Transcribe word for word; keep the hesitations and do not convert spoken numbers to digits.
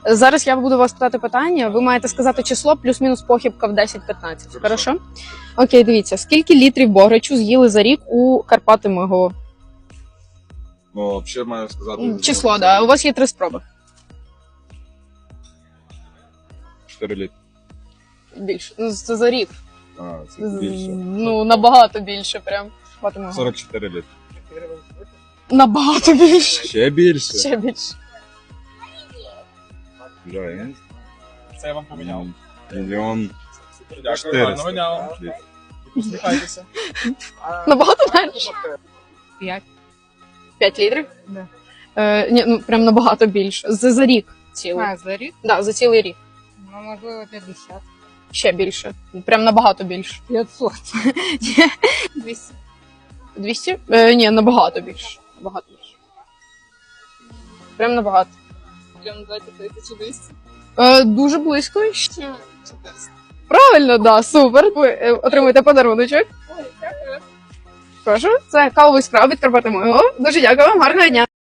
Зараз я буду вас питати питання. Ви маєте сказати число плюс-мінус похибка в десять-п'ятнадцять. Хорошо? Окей, дивіться. Скільки літрів бограчу з'їли за рік у Карпати Мигово? Ну, взагалі маю сказати... Число, так. Да. У вас є три спроби. чотири літри. Більше. Ну, це за рік. А, це більше. Ну, набагато більше прям. Карпати Мигово. сорок чотири літри. Набагато більше. Ще більше? Ще більше. Бля, я не знаю. Це я вам поміняв. Мільйон Дякую, чотириста. гарного дня вам. Посміхайтеся. Набагато менше? П'ять. П'ять літрів? Да. Е, ні, ну прям набагато більше. За, за рік цілий. А, за рік? Да, за цілий рік. Ну, можливо, п'ятдесят. Ще більше. Прям набагато більше. п'ятсот. двісті. двісті? Е, ні, набагато більше. Набагато більше. Прям набагато. Прям давайте тисячу двісті. Е, дуже близько. Правильно, да, супер. Ви е, отримуєте подаруночок. Ой, дякую. Прошу, це кавовий скраб від Карпати Мигово. Дуже дякую вам, гарного дня.